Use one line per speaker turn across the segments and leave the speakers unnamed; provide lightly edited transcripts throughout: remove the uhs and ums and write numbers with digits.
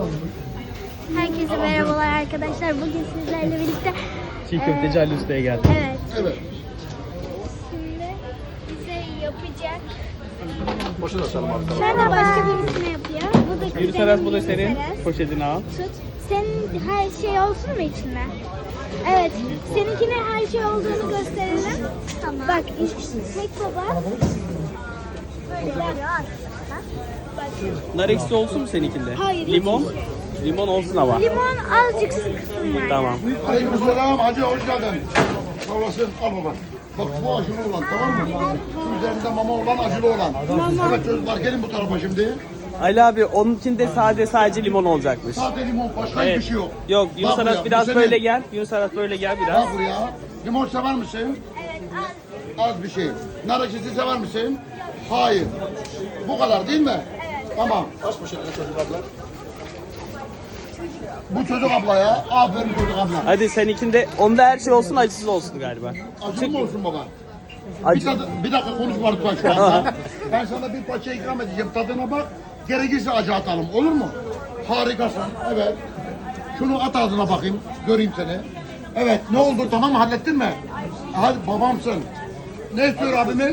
Herkese merhabalar arkadaşlar. Bugün sizlerle birlikte
Çiğ köfteci Ali Usta'ya geldik.
evet.
Evet.
Şimdi bize yapacak.
Boşa da sarım abi.
Şurada başka birisine yapıyor. Bu da
Yürü Saras, bu da senin.
Saras.
Poşetini al.
Tut. Senin her şey olsun mu içinde? Evet. Seninkine her şey olduğunu gösterelim. Tamam. Bak tek baba. Böyle yapıyor. Bak.
Nar ekşisi olsun mu seninkinde?
Hayır,
Limon?
hiç.
Limon olsun ama.
Limon azıcık sıksın var.
Tamam.
Aleykümselam hacı, hoş geldin. Sağ olasın, al baba. Bak bu acılı olan, tamam mı? Şu üzerinde mama olan, acılı olan. Evet çocuklar, gelin bu tarafa şimdi.
Ali abi onun içinde sadece limon olacakmış.
Sade limon, başka hiçbir şey yok.
Yok, Yunus
Bak buraya,
Aras
bu
biraz
senin.
böyle gel. Yunus Aras böyle gel biraz.
Bak buraya. Limon sever misin?
Evet
Az bir şey. Nar ekşisi sever misin? Hayır. Bu kadar değil mi? Evet. Tamam. Kaç poşetine çocuk abla? Bu çocuk abla ya. Aferin çocuk abla.
Hadi seninkinde onda her şey olsun, acısız olsun galiba.
Acılı mı olsun baba?
Acı.
Bir dakika konuşma lütfen şu anda. Ben sana bir parça ikram edeceğim. Tadına bak. Gerekirse acı atalım. Olur mu? Harikasın. Evet. Şunu at ağzına bakayım. Göreyim seni. Evet. Ne oldu? Tamam mı? Hallettin mi? Hadi babamsın. Ne istiyor abimiz?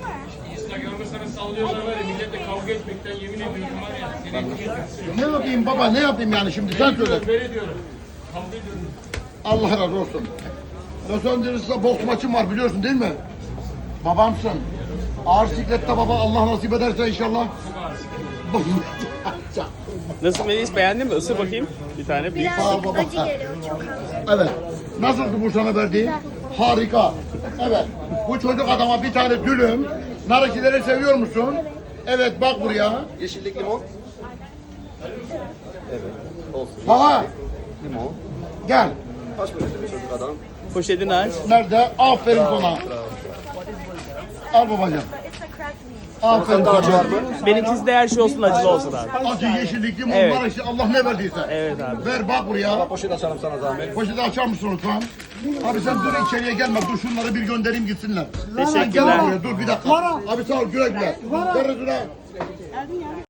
Ne yapayım baba? Ne yapayım yani şimdi? Sen söyle. Allah razı olsun. Los Angeles'ta boks maçım var biliyorsun değil mi? Babamsın. Ağır siklette baba, Allah nasip ederse inşallah.
Nasıl Melis, beğendin mi? Isır bakayım. Bir tane büyük.
Sağ ol
Birazcık
baba.
acı geliyor çok az.
Evet. Nasıldı bu sana verdiği? Harika. Evet. Bu çocuk adama bir tane dülüm. Nar ekşileri seviyor musun? Evet bak buraya.
Yeşillik limon. Evet. Olsun.
Baba
Limon.
gel.
Kaç poşetine çocuk adam?
Poşetini aç.
Nerede? Aferin sana. Al babacığım. Aferin
Daha var
sana.
mı?
Benimkisi de her şey olsun, acılı olsun abi.
Acı, yeşillik, limon,
Evet.
nar ekşi, Allah ne verdiyse.
Evet abi.
Ver bak buraya.
Poşet açalım sana zahmet.
Poşeti açar mısın lütfen? Abi sen dur içeriye gelme. Dur şunları bir göndereyim gitsinler.
Teşekkürler.
Sen gel buraya, dur bir dakika. Abi sağ ol, güle güle. Ver,